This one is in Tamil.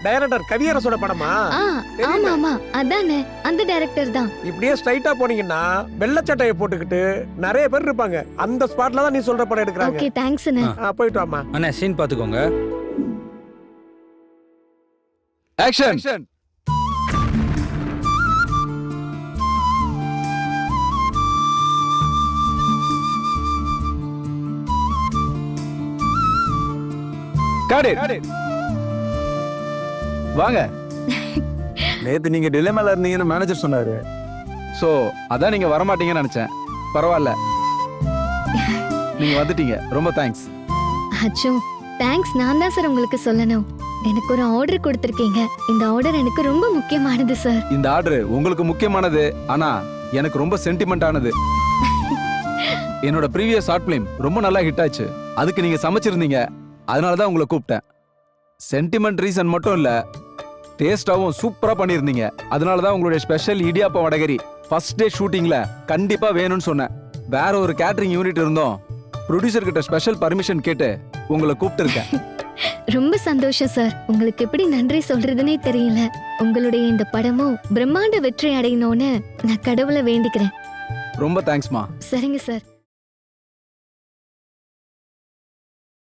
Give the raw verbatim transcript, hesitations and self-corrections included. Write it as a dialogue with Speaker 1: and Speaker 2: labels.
Speaker 1: டைரக்டர் கவியரசோட படமா?
Speaker 2: ஆ ஆமா ஆமா அதானே, அந்த டைரக்டர் தான்.
Speaker 1: இப்படியே ஸ்ட்ரைட்டா போனீங்கன்னா வெள்ளை சட்டையை போட்டுக்கிட்டு நிறைய பேர் இருப்பாங்க. அந்த ஸ்பாட்ல தான் நீ சொல்ற படம் எடுக்கறாங்க.
Speaker 2: ஓகே தேங்க்ஸ் அண்ணே.
Speaker 1: ஆ, போயிட்டு வாமா.
Speaker 3: அண்ணா சீன் பாத்துக்கோங்க.
Speaker 4: ஆக்ஷன். Got it. வாங்க. நேத்து நீங்க டிலேமால இருந்தீங்கன்னு மேனேஜர் சொன்னாரு. சோ அதான் நீங்க வர மாட்டீங்கன்னு நினைச்சேன். பரவாயில்ல, நீங்க வந்துட்டீங்க. ரொம்ப தேங்க்ஸ்.
Speaker 2: அச்சோ தேங்க்ஸ் நான் தான் சார் உங்களுக்கு சொல்லணும். எனக்கு ஒரு ஆர்டர் கொடுத்திருக்கீங்க. இந்த ஆர்டர் எனக்கு ரொம்ப முக்கியமானது சார்.
Speaker 4: இந்த ஆர்டர் உங்களுக்கு முக்கியமானது, ஆனா எனக்கு ரொம்ப சென்டிமெண்ட் ஆனது. என்னோட ப்ரீவியஸ் ஷார்ட் ஃபிலிம் ரொம்ப நல்லா ஹிட் ஆச்சு. அதுக்கு நீங்க சமைச்சிருந்தீங்க, அதனால தான் உங்களை கூப்பிட்டேன். சென்டிமெண்ட் ரீசன் மட்டும் இல்ல, டேஸ்டாவும் சூப்பரா பண்ணியிருந்தீங்க. அதனால தான் உங்களுடைய ஸ்பெஷல் இடியாப்ப வடகரி ஃபர்ஸ்ட் டே ஷூட்டிங்ல கண்டிப்பா வேணும்னு சொன்னேன். வேற ஒரு கேட்டரிங் யூனிட் இருந்தோம், ப்ரொடியூசர் கிட்ட ஸ்பெஷல் பர்மிஷன் கேட்டு உங்களை கூப்பிட்டு இருக்கேன்.
Speaker 2: ரொம்ப சந்தோஷம் சார். உங்களுக்கு எப்படி நன்றி சொல்றதுனே தெரியல. உங்களுடைய இந்த படமும் பிரம்மாண்ட வெற்றி அடையணும்னு நான் கடவுளை வேண்டிக்கிறேன்.
Speaker 4: ரொம்ப தேங்க்ஸ்மா.
Speaker 2: சரிங்க சார்.